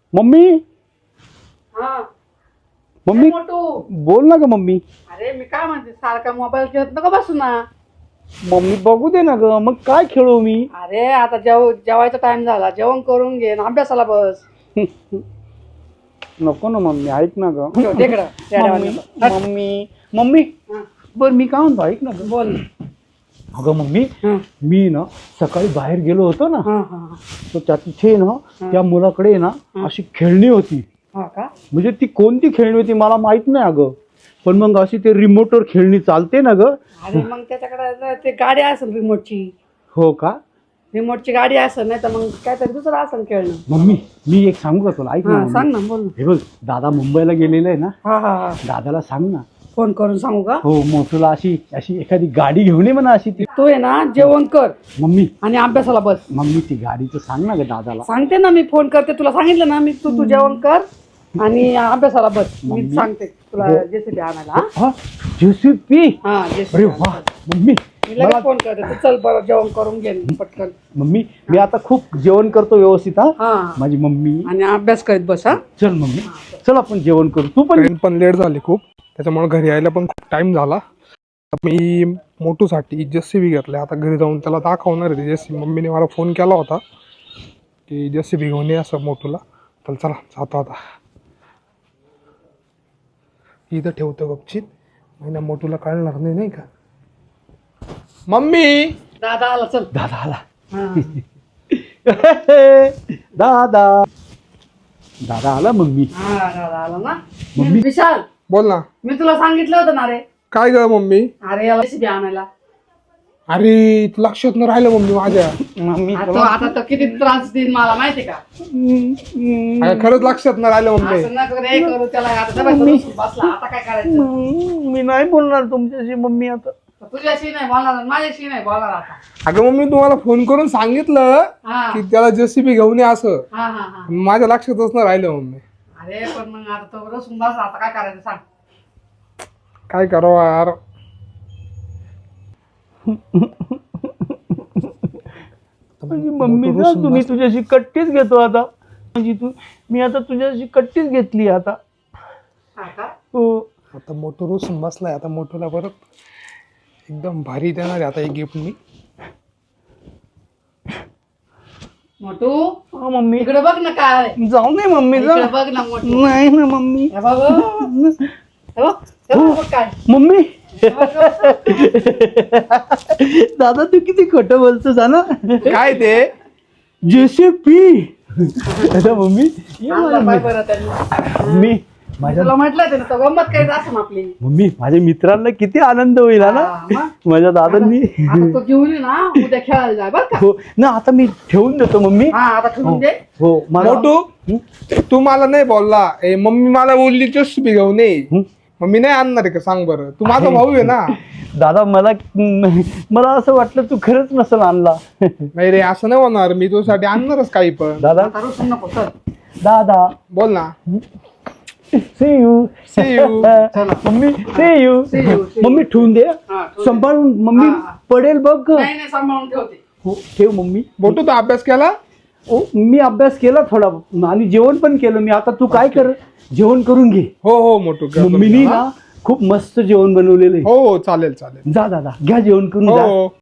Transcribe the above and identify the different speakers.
Speaker 1: Mummy
Speaker 2: हा
Speaker 1: mummy
Speaker 2: मोठू.
Speaker 1: बोल ना ग मम्मी.
Speaker 2: अरे मी काय म्हणते सारखा मोबाईल खेळत नको बसू ना.
Speaker 1: मम्मी बघू दे ना ग, मग काय खेळू मी.
Speaker 2: अरे आता जेवायचा टाइम झाला, जेवण करून घे ना अभ्यासाला बस.
Speaker 1: नको ना मम्मी, ऐक ना ग.
Speaker 2: ठेव तिकडं, त्या
Speaker 1: मम्मी
Speaker 2: देवाला.
Speaker 1: मम्मी मम्मी
Speaker 2: हा,
Speaker 1: बर मी काय म्हणतो ऐक ना ग.
Speaker 2: बोल.
Speaker 1: अगं मम्मी
Speaker 2: हा,
Speaker 1: मी ना सकाळी बाहेर गेलो होतो ना,
Speaker 2: हा, हा,
Speaker 1: तर त्या तिथे ना त्या मुलाकडे ना अशी खेळणी होती.
Speaker 2: हा का?
Speaker 1: म्हणजे ती कोणती खेळणी होती मला माहित नाही अगं, पण मग अशी ते रिमोटवर खेळणी चालते ना ग.
Speaker 2: अरे मग त्याच्याकडे ते गाडी असेल रिमोटची.
Speaker 1: हो का?
Speaker 2: रिमोटची गाडी असेल, नाही तर मग काहीतरी दुसरं असेल खेळणं.
Speaker 1: मम्मी मी एक सांगू का तुला, ऐक ना
Speaker 2: हा
Speaker 1: मम्मी.
Speaker 2: सांग ना, बोल ना.
Speaker 1: हे बघ दादा मुंबईला गेलेला आहे ना,
Speaker 2: हा हा हा,
Speaker 1: दादाला सांग ना.
Speaker 2: फोन करून सांगू का?
Speaker 1: हो मोठूला अशी अशी एखादी गाडी घेऊन ये म्हणा अशी ती.
Speaker 2: तू आहे ना जेवण कर
Speaker 1: मम्मी
Speaker 2: आणि अभ्यासाला बस.
Speaker 1: मम्मी ती गाडीचं सांग ना ग दादाला.
Speaker 2: सांगते ना, मी फोन करते तुला, सांगितलं ना मी. तू जेवण कर आणि अभ्यासाला बस. मी
Speaker 1: मम्मी.
Speaker 2: सांगते तुला
Speaker 1: हो.
Speaker 2: जेसीबी आणायला. हा?
Speaker 1: हा जेसीबी.
Speaker 2: हा
Speaker 1: अरे
Speaker 2: जेसीबी
Speaker 1: वा मम्मी.
Speaker 2: मी लगेच फोन करते. तू चल बरं जेवण करून घे पटकन.
Speaker 1: मम्मी मी आता खूप जेवण करतो व्यवस्थित. हा
Speaker 2: हा
Speaker 1: माझी मम्मी.
Speaker 2: आणि अभ्यास करीत बस. हा
Speaker 1: चल मम्मी चल आपण जेवण करू. तू पण
Speaker 3: ट्रेन पण लेट झाली खूप, त्याच्यामुळे घरी यायला पण खूप टाइम झाला. आता मी मोटूसाठी जेसीबी घेतलाय, आता घरी जाऊन त्याला दाखवणार आहे. जेसीबी मम्मीने मला फोन केला होता की जेसीबी घेऊन ये असं मोटूला. तर चला जातो आता. इथं ठेवतो गपचित, महिना मोटूला कळणार नाही, नाही का. मम्मी
Speaker 2: दादा आला, चल.
Speaker 1: दादा आला.
Speaker 2: हा.
Speaker 1: दादा दादा आला मम्मी.
Speaker 2: हा दादा आला ना.
Speaker 1: मम्मी.
Speaker 2: विशाल,
Speaker 3: बोल ना.
Speaker 2: मी तुला सांगितलं होतं ना रे.
Speaker 3: काय ग मम्मी.
Speaker 2: अरे याला जेसीबी आणायला.
Speaker 3: अरे लक्षात न राहिलं मम्मी माझ्या.
Speaker 1: मम्मी
Speaker 2: आता तर किती त्रास देईन मला माहिती का.
Speaker 3: अरे खरंच लक्षात न राहिलं मम्मी.
Speaker 2: असं नको रे करू त्याला. आता डबा बसून बसला, आता काय करायचं.
Speaker 1: मी नाही बोलणार तुमच्याशी मम्मी आता.
Speaker 2: तुझ्याशी नाही बोलणार, माझ्याशी नाही बोलणार आता.
Speaker 3: अगं मम्मी तुम्हाला फोन करून सांगितलं
Speaker 2: हा
Speaker 3: की त्याला जेसीबी घेऊन ये असं,
Speaker 2: हा हा हा.
Speaker 3: माझ्या लक्षातच न राहिलं मम्मी.
Speaker 2: अरे पण मग आता तो बसून बसला, आता काय करायचं सांग.
Speaker 3: काय करावं यार.
Speaker 1: माझी मम्मी ना तुम्ही तुझ्याशी कट्टीच घेतो आता. म्हणजे मी आता तुझ्याशी कट्टीच घेतली आता.
Speaker 2: हा का?
Speaker 1: हो
Speaker 3: आता मोठं रुसून बसलाय. आता मोठूला परत एकदम भारी देणार आहे आता एक गिफ्ट मी.
Speaker 2: मोठू
Speaker 1: हा, मम्मी
Speaker 2: इकडे बघ ना काय.
Speaker 1: जाऊ नाही मम्मी जा.
Speaker 2: इकडे बघ ना मोठू.
Speaker 1: नाही ना मम्मी.
Speaker 2: हे बघ, हे बघ, हे बघ काय.
Speaker 1: मम्मी दादा तू किती खोटं बोलतोस ना.
Speaker 3: काय ते.
Speaker 1: जेसीबी. आता मम्मी ये
Speaker 2: आणला
Speaker 1: मला.
Speaker 2: पाय बरं त्यांनी.
Speaker 1: मम्मी माझ्या
Speaker 2: तुला म्हटलं ते ना, तो गंमत करीत असं आपली.
Speaker 1: मम्मी माझ्या मित्रांना किती आनंद होईल हा ना
Speaker 2: हा, मग?
Speaker 1: माझ्या दादांनी.
Speaker 2: आता तो घेऊन ये ना, उद्या खेळायला जाय बरं का.
Speaker 1: हो ना आता मी ठेवून देतो मम्मी.
Speaker 2: हा आता ठेवून दे.
Speaker 1: हो मला
Speaker 3: मोठू तू मला नाही बोलला. ए मम्मी मला बोलली जेसीबी घेऊन ये.
Speaker 1: हं?
Speaker 3: मम्मी नाही आणणार आहे का सांग बरं. तू माझा भाऊ आहे ना.
Speaker 1: दादा मला असं वाटलं तू खरंच नसेल आणला.
Speaker 3: नाही रे असं नाही होणार. मी तुझ्यासाठी आणणारच काही पण.
Speaker 1: दादा
Speaker 2: आता रुसून नको, चल.
Speaker 1: दादा
Speaker 3: बोल ना.
Speaker 1: see you.
Speaker 3: See you.
Speaker 2: चला.
Speaker 1: Mummy see you.
Speaker 2: See you, see you.
Speaker 1: Mummy ठेवून दे.
Speaker 2: हा, ठेवून दे.
Speaker 1: सांभाळून मम्मी
Speaker 2: हा, हा.
Speaker 1: पडेल बघ.
Speaker 2: नाही नाही, सांभाळून ठेवते.
Speaker 1: हो ठेव मम्मी.
Speaker 3: मोठू तू अभ्यास केला.
Speaker 1: ओ मी अभ्यास केला थोडा आणि जेवण पण केलं मी. आता तू काय कर, जेवण करून घे.
Speaker 3: हो हो मोठू करतो.
Speaker 1: मम्मीनी ना खूप मस्त जेवण बनवलेलं आहे.
Speaker 3: हो हो चालेल चालेल.
Speaker 1: जा दादा घ्या जेवण करून
Speaker 3: हो
Speaker 1: जा.
Speaker 3: हो.